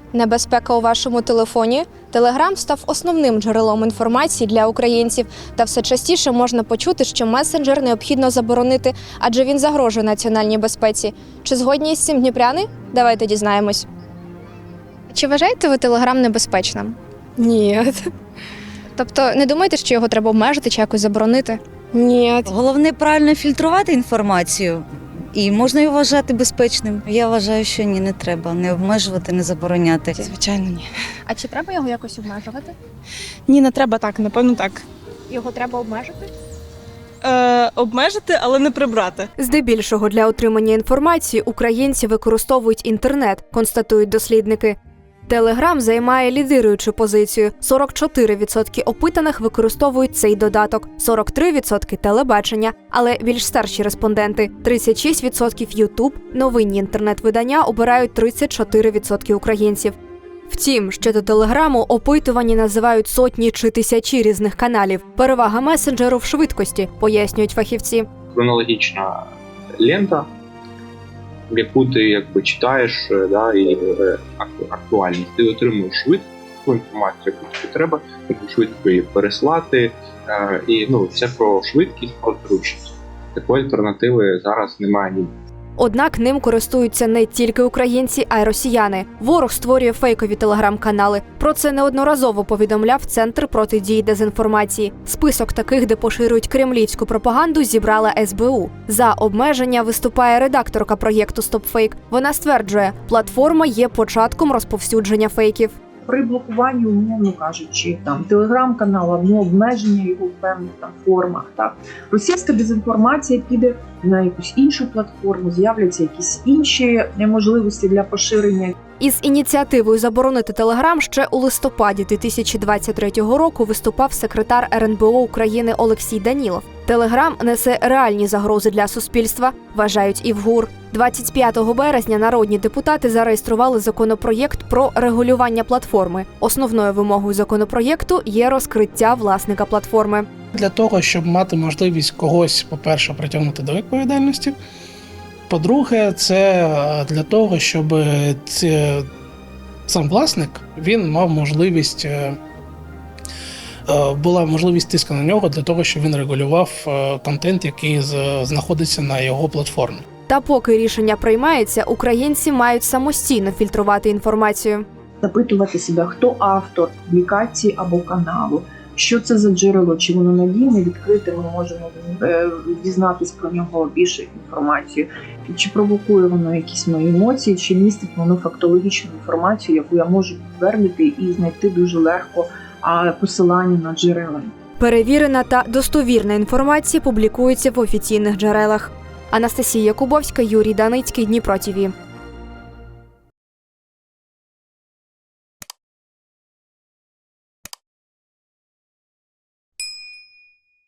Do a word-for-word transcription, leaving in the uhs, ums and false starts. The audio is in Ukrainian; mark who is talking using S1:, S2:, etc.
S1: Небезпека у вашому телефоні? Телеграм став основним джерелом інформації для українців. Та все частіше можна почути, що месенджер необхідно заборонити, адже він загрожує національній безпеці. Чи згодні із цим дніпряни? Давайте дізнаємось. Чи вважаєте ви Телеграм небезпечним?
S2: Ні.
S1: Тобто не думаєте, що його треба обмежити чи якось заборонити?
S2: Ні.
S3: Головне правильно фільтрувати інформацію, і можна його вважати безпечним. Я вважаю, що ні, не треба не обмежувати, не забороняти.
S2: Звичайно, ні.
S1: А чи треба його якось обмежувати?
S2: Ні, не треба так, напевно, так.
S1: Його треба обмежити?
S2: Е, обмежити, але не прибрати.
S4: Здебільшого для отримання інформації українці використовують інтернет, констатують дослідники. Телеграм займає лідируючу позицію. сорок чотири відсотки опитаних використовують цей додаток, сорок три відсотки – телебачення, але більш старші респонденти – тридцять шість відсотків Ютуб, новинні інтернет-видання обирають тридцять чотири відсотки українців. Втім, щодо Телеграму опитувані називають сотні чи тисячі різних каналів. Перевага месенджеру в швидкості, пояснюють фахівці.
S5: Хронологічна лента, яку ти якби читаєш, да, і актуальність. Ти отримуєш швидку інформацію, яку тобі треба, тобі швидко її переслати. І ну, все про швидкість, про зручність. Такої альтернативи зараз немає ні.
S4: Однак ним користуються не тільки українці, а й росіяни. Ворог створює фейкові телеграм-канали. Про це неодноразово повідомляв Центр протидії дезінформації. Список таких, де поширюють кремлівську пропаганду, зібрала ес бе у. За обмеження виступає редакторка проєкту «StopFake». Вона стверджує, платформа є початком розповсюдження фейків.
S6: При блокуванні, умовно кажучи, там телеграм-канал, ну, обмеження його в певних там формах. Так, російська дезінформація піде на якусь іншу платформу, з'являться якісь інші можливості для поширення.
S4: Із ініціативою заборонити Телеграм ще у листопаді дві тисячі двадцять третього року виступав секретар ер ен бе о України Олексій Данілов. Телеграм несе реальні загрози для суспільства, вважають і в ГУР. двадцять п'ятого березня народні депутати зареєстрували законопроєкт про регулювання платформи. Основною вимогою законопроєкту є розкриття власника платформи.
S7: Для того, щоб мати можливість когось, по-перше, притягнути до відповідальності, по-друге, це для того, щоб ці, сам власник, він мав можливість, була можливість тиску на нього для того, щоб він регулював контент, який знаходиться на його платформі.
S4: Та поки рішення приймається, українці мають самостійно фільтрувати інформацію.
S6: Запитувати себе, хто автор публікації або каналу, що це за джерело, чи воно надійне, відкрите, ми можемо дізнатися про нього більше інформацію, чи провокує воно якісь мої емоції, чи містить воно фактологічну інформацію, яку я можу підтвердити і знайти дуже легко посилання на джерела.
S4: Перевірена та достовірна інформація публікується в офіційних джерелах. Анастасія Якубовська, Юрій Даницький, Дніпро ТІВІ.